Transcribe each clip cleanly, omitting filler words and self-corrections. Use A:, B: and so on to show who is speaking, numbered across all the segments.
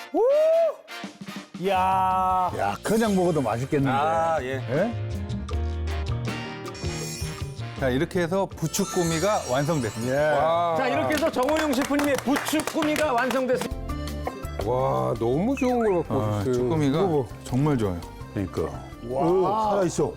A: 이야.
B: 야, 그냥 먹어도 맛있겠는데.
A: 아, 예.
B: 예?
C: 자, 이렇게 해서 부추꾸미가 완성됐습니다.
B: 예.
A: 자, 이렇게 해서 정호영 셰프님의 부추꾸미가 완성됐습니다.
D: 와, 너무 좋은 걸 갖고
C: 아,
D: 오셨어요.
C: 쭈꾸미가 정말 좋아요.
B: 그러니까. 오, 살아있어.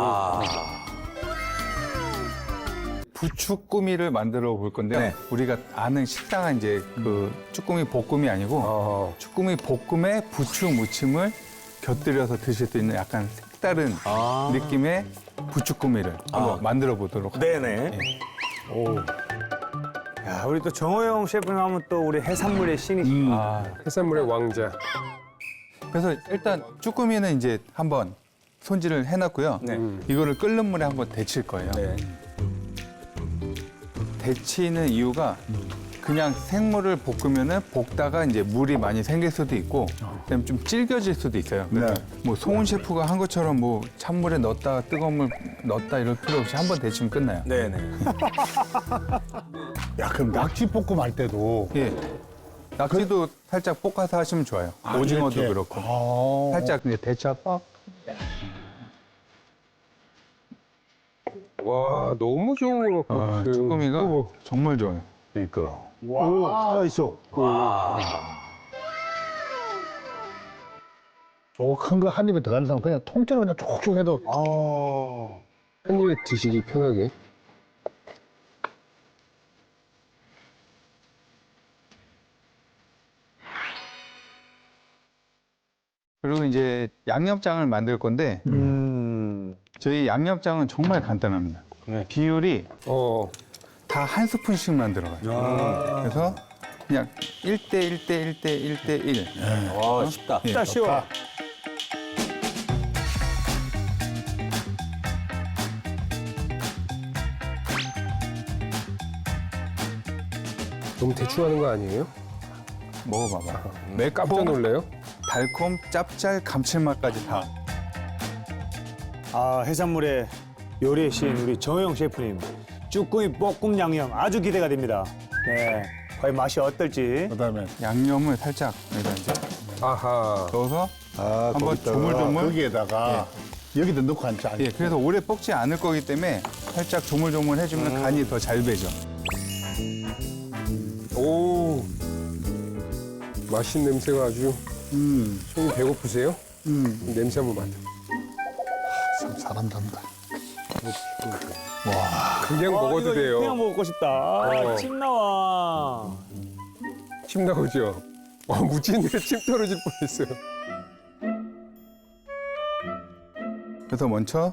C: 부추꾸미를 만들어 볼 건데요.
A: 네.
C: 우리가 아는 식당은 이제 그 쭈꾸미 볶음이 아니고 쭈꾸미 볶음에 부추 무침을 곁들여서 드실 수 있는 약간 색다른 느낌의 부추꾸미를 한번 만들어 보도록 하겠습니다.
A: 네네. 오. 야, 우리 또 정호영 셰프님 하면 또 우리 해산물의 신이시죠.
D: 해산물의 왕자.
C: 그래서 일단 쭈꾸미는 이제 한번 손질을 해놨고요.
A: 네.
C: 이거를 끓는 물에 한번 데칠 거예요.
A: 네.
C: 데치는 이유가 그냥 생물을 볶으면은 볶다가 이제 물이 많이 생길 수도 있고 그다음에 좀 질겨질 수도 있어요. 그래서
B: 네.
C: 뭐 송은 셰프가 한 것처럼 뭐 찬물에 넣었다가 뜨거운 물 넣었다 이럴 필요 없이 한 번 데치면 끝나요.
A: 네네.
B: 야, 그럼 낙지볶음 할 때도.
C: 예. 낙지도 살짝 볶아서 하시면 좋아요. 오징어도
B: 이렇게.
C: 그렇고. 살짝 이제 데쳐서
D: 와, 너무 좋은 걸 갖고 오셨어요.
C: 쭈꾸미가 정말 좋아요.
B: 그러니까. 오, 살아있어. 저거 큰 거 한 입에 들어가는 사람 그냥 통째로 그냥 쭉쭉 해도.
D: 한 입에 드시기 편하게.
C: 그리고 이제 양념장을 만들 건데 저희 양념장은 정말 간단합니다. 비율이 다 한 스푼씩만 들어가요. 그래서 그냥 1대 1대 1대 1대 1.
A: 와, 쉽다. 쉽다, 쉬워.
D: 너무 대충 하는 거 아니에요?
C: 먹어봐봐.
D: 깜짝 놀래요?
C: 달콤, 짭짤, 감칠맛까지 다.
A: 아, 해산물의 요리의 신 우리 정호영 셰프님. 쭈꾸미 볶음 양념 아주 기대가 됩니다. 네. 과연 맛이 어떨지.
B: 그다음에
C: 양념을 살짝 여기다 이제
D: 아하.
C: 넣어서 한번
B: 거기다가,
C: 조물조물.
B: 거기에다가 여기다 넣고 앉지 않게.
C: 예, 그래서 오래 볶지 않을 거기 때문에 살짝 조물조물 해주면 간이 더 잘 배죠.
D: 오. 맛있는 냄새가 아주. 손이 배고프세요? 냄새 한번 맡아.
B: 참 잘한단다.
D: 그냥 먹어도
A: 이거
D: 돼요.
A: 그냥 먹고 싶다. 아, 침 나와.
D: 침 나오죠? 무치는데 침 떨어질 뻔했어요.
C: 그래서 먼저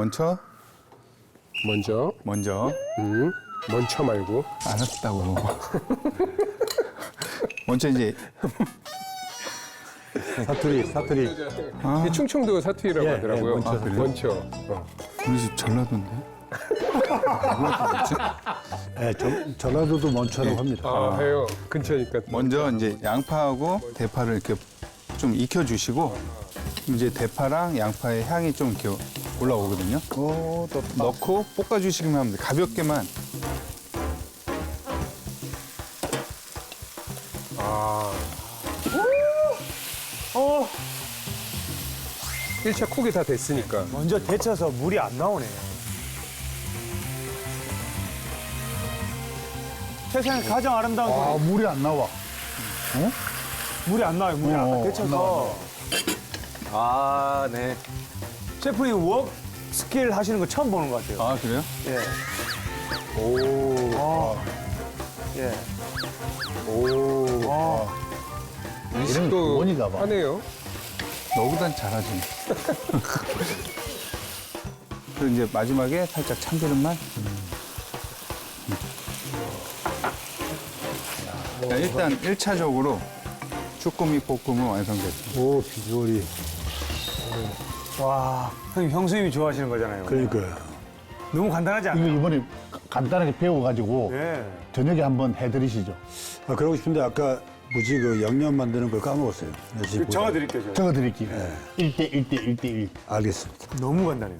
D: 먼저. 먼저 말고.
C: 알았다고. 먼저 이제
A: 사투리.
D: 이게 충청도 사투리라고
A: 예,
D: 하더라고요.
A: 먼저.
C: 아, 그래요?
D: 먼저.
C: 우리 집 전라도인데.
B: 네, 전라도도 먼처럼 합니다.
D: 아, 해요. 근처니까.
C: 먼저 이제 양파하고 대파를 이렇게 좀 익혀주시고 이제 대파랑 양파의 향이 좀 이렇게 올라오거든요.
B: 오, 또
C: 넣고 볶아주시기만 하면 돼요. 가볍게만.
D: 아.
A: 어,
D: 1차 쿡이 다 됐으니까.
A: 먼저 데쳐서 물이 안 나오네. 세상에 가장 아름다운
B: 아,
A: 소리.
B: 물이 안 나와.
A: 물이 안 나와요, 물이 안 나와.
B: 안
A: 데쳐서.
B: 나와.
A: 아, 네. 셰프님 웍 스킬 하시는 거 처음 보는 것 같아요.
C: 아, 그래요?
A: 예.
D: 오.
A: 예.
D: 오.
B: 이런 원이가 봐.
D: 하네요.
C: 너보단 잘하지. 그리고 이제 마지막에 살짝 참기름만. 자, 일단 1차적으로 쭈꾸미 볶음은 완성됐습니다.
B: 오, 비주얼이.
A: 와, 형님 형수님이 좋아하시는 거잖아요.
B: 그러니까요.
A: 너무 간단하지
B: 이거
A: 않아요?
B: 이번에 간단하게 배워가지고
A: 예.
B: 저녁에 한번 해드리시죠.
E: 아, 그러고 싶은데 아까 뭐지 그 양념 만드는 걸 까먹었어요.
A: 그 적어드릴게요, 제가.
B: 적어드릴게요. 1대 1대 1대 1.
E: 알겠습니다.
A: 너무 간단해요.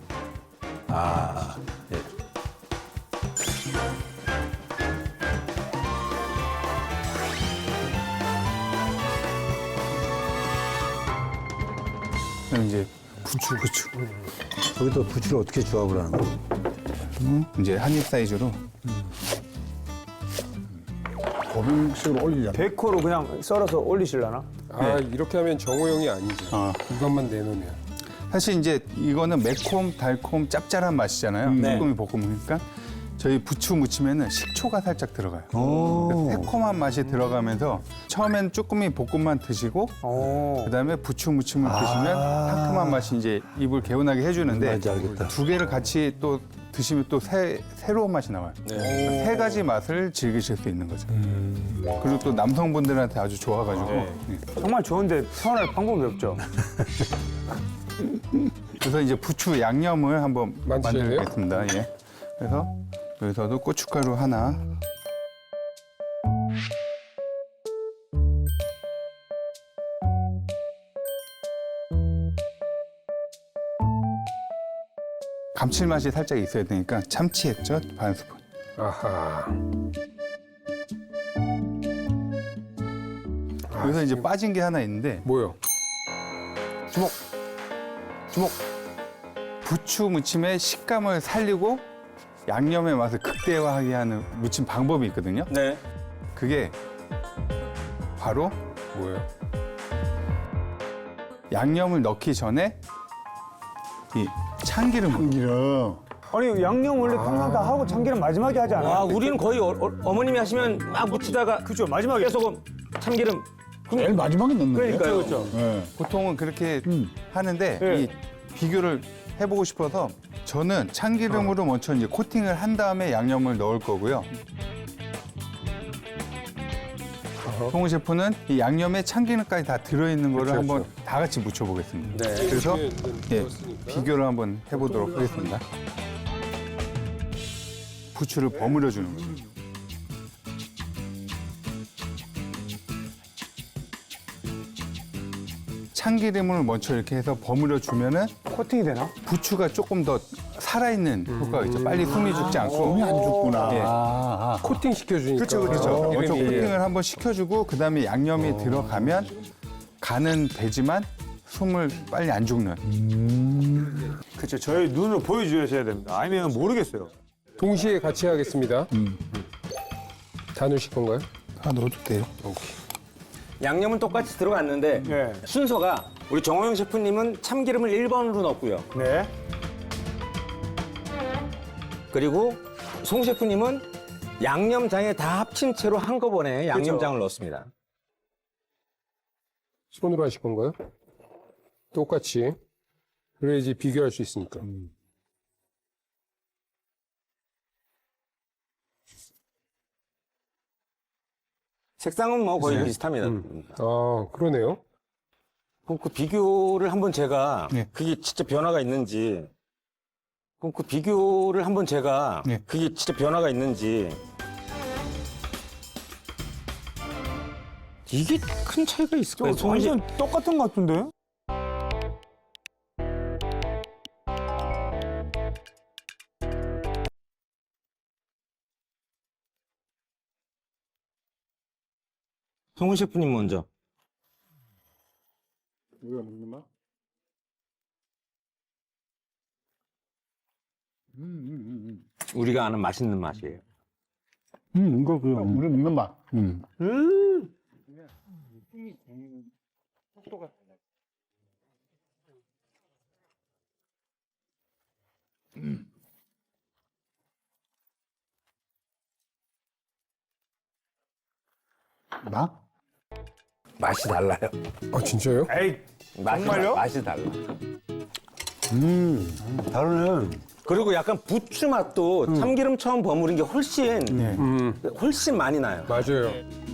C: 그럼 이제 부추.
E: 거기다 부추를 어떻게 조합을 하는 거야?
C: 이제 한 입 사이즈로.
B: 고명식으로 올리자.
A: 데코로 그냥 썰어서 올리실라나?
D: 아 이렇게 하면 정호 형이 아니죠. 이것만 내놓으면.
C: 사실 이제 이거는 매콤, 달콤, 짭짤한 맛이잖아요. 쭈꾸미 볶음이니까 저희 부추 무치면은 식초가 살짝 들어가요. 그래서 새콤한 맛이 들어가면서 처음엔 쭈꾸미 볶음만 드시고 그다음에 부추 무침을 드시면 상큼한 맛이 이제 입을 개운하게 해주는데
E: 뭔지 알겠다.
C: 두 개를 같이 또 드시면 또 새로운 맛이 나와요. 세 가지 맛을 즐기실 수 있는 거죠. 그리고 또 남성분들한테 아주 좋아가지고
A: 정말 좋은데 표현할 방법이 없죠.
C: 그래서 이제 부추 양념을 한번
D: 만드실래요?
C: 만들겠습니다. 예. 그래서 여기서도 고춧가루 하나. 감칠맛이 살짝 있어야 되니까 참치 액젓 반 스푼.
D: 아하.
C: 여기서 이제 빠진 게 하나 있는데
D: 뭐요?
A: 주먹.
C: 부추 무침의 식감을 살리고 양념의 맛을 극대화하게 하는 무침 방법이 있거든요.
F: 네.
C: 그게 바로
D: 뭐요?
C: 양념을 넣기 전에 이 참기름을
B: 이런.
A: 아니 양념 원래 평상 다 하고 참기름 마지막에 하지 않아요?
F: 와, 우리는 거의 어머님이 하시면 막 묻히다가
A: 그죠 마지막에
F: 깨소금, 참기름.
B: 제일 마지막에 넣는 거예요.
A: 그러니까요, 그렇죠.
B: 네.
C: 보통은 그렇게 하는데
A: 네.
C: 이 비교를 해보고 싶어서 저는 참기름으로 먼저 이제 코팅을 한 다음에 양념을 넣을 거고요. 송은 셰프는 이 양념에 참기름까지 다 들어있는 거를
D: 그렇죠,
C: 한번 다 같이 묻혀보겠습니다.
F: 네.
C: 그래서 예,
D: 넣었으니까.
C: 비교를 한번 해보도록 하겠습니다. 부추를 버무려 주는 거죠. 참기름을 먼저 이렇게 해서 버무려 주면은
A: 코팅이 되나?
C: 부추가 조금 더 살아있는 효과가 있죠. 빨리 숨이 죽지 않고.
B: 몸이 안 죽구나.
C: 예.
D: 코팅 시켜주니까.
C: 그렇죠. 먼저
D: 이름이-
C: 코팅을 한번 시켜주고 그다음에 양념이 들어가면 간은 되지만 숨을 빨리 안 죽는.
A: 그렇죠. 저희 눈으로 보여주셔야 됩니다. 아니면 모르겠어요.
D: 동시에 같이 하겠습니다. 다 넣으실 건가요?
C: 다 넣어도 돼요.
F: 양념은 똑같이 들어갔는데
A: 네.
F: 순서가 우리 정호영 셰프님은 참기름을 1번으로 넣었고요.
A: 네.
F: 그리고 송 셰프님은 양념장에 다 합친 채로 한꺼번에 양념장을 넣었습니다.
D: 손으로 하실 건가요? 똑같이. 그래야지 비교할 수 있으니까.
F: 색상은 뭐 거의 비슷합니다.
D: 아, 그러네요.
F: 그럼 그 비교를 한번 제가
C: 네.
F: 그게 진짜 변화가 있는지 그럼 그 비교를 한번 제가
C: 네.
F: 그게 진짜 변화가 있는지 이게 큰 차이가 있을까요?
A: 완전 똑같은 것 같은데?
F: 송은 셰프님 먼저. 우리가 아는 맛있는 맛이에요.
B: 이거 우리 먹는 맛. 나?
F: 맛이 달라요.
D: 아, 진짜요?
A: 에이,
F: 맛이,
A: 정말요?
F: 맛이 달라.
E: 다르네.
F: 그리고 약간 부추 맛도 참기름 처음 버무린 게 훨씬 많이 나요.
D: 맞아요.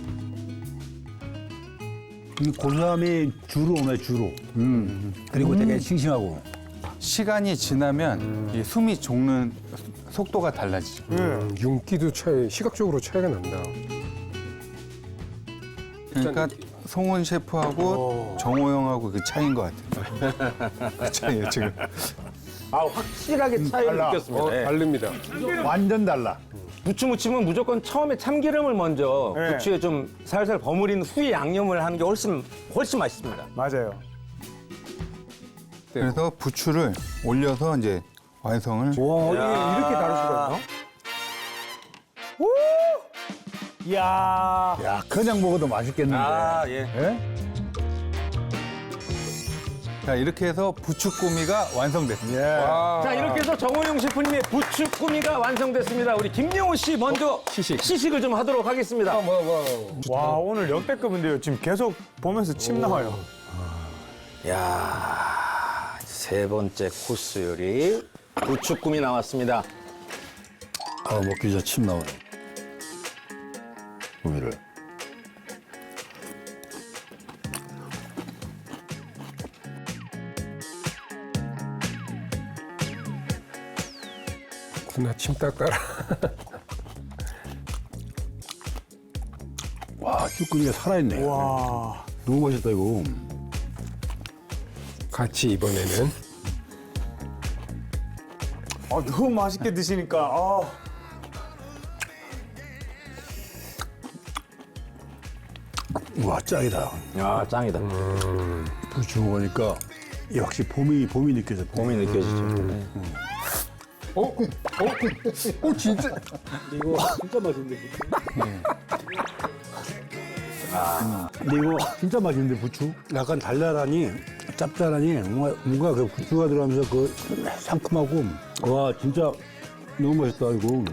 E: 이 고소함이 주로 오네, 주로. 그리고 되게 싱싱하고.
C: 시간이 지나면 이 숨이 죽는 속도가 달라지죠.
D: 윤기도 시각적으로 차이가 난다.
C: 그러니까 송은 셰프하고 정호영하고 그 차이인 것 같아요. 그 차이예요 지금.
F: 아, 확실하게 차이를 느꼈습니다. 네.
D: 다릅니다.
B: 완전 달라.
F: 부추 무침은 무조건 처음에 참기름을 먼저
A: 네.
F: 부추에 좀 살살 버무린 후에 양념을 하는 게 훨씬 맛있습니다.
A: 맞아요.
C: 그래서 부추를 올려서 이제 완성을.
F: 와, 이렇게 다를 수가 있나?
A: 이야.
B: 야, 그냥 먹어도 맛있겠는데.
F: 아, 예.
B: 예?
C: 자, 이렇게 해서 부추꾸미가 완성됐습니다.
B: 예.
F: 자, 이렇게 해서 정호용 셰프님의 부추꾸미가 완성됐습니다. 우리 김영호 씨 먼저 시식을 좀 하도록 하겠습니다.
A: 와, 오늘 역대급인데요. 지금 계속 보면서 침 나와요.
F: 야, 세 번째 코스 요리 부추꾸미 나왔습니다.
E: 아, 먹기 전에 침 나오네. 구미를.
D: 누나 침 닦아라.
E: 와, 쭈꾸미가 살아있네.
A: 와.
E: 너무 맛있다, 이거.
D: 같이 이번에는
A: 아, 너무 맛있게 드시니까. 아.
E: 와, 짱이다.
F: 야, 짱이다.
E: 부추 먹으니까 역시 봄이 느껴져.
F: 봄이 느껴지죠. 네.
D: 진짜
E: 근데 이거 진짜 맛있는데, 부추? 약간 달달하니, 짭짤하니, 뭔가 그 부추가 들어가면서 그 상큼하고, 와, 진짜 너무 맛있다, 이거.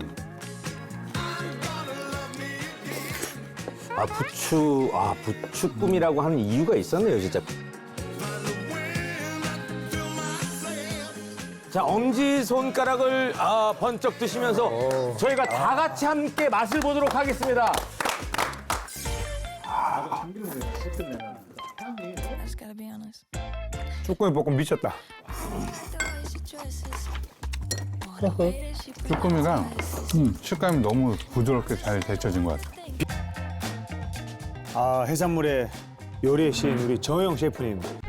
F: 부추꾸미라고 하는 이유가 있었네요, 진짜. 자, 엄지 손가락을 번쩍 드시면서 저희가 다 같이 함께 맛을 보도록 하겠습니다.
G: I just gotta be honest.
A: 쭈꾸미 볶음 미쳤다.
C: 쭈꾸미가 식감이 너무 부드럽게 잘 데쳐진 것 같아요.
A: 아, 해산물의 요리의 신 우리 정호영 셰프님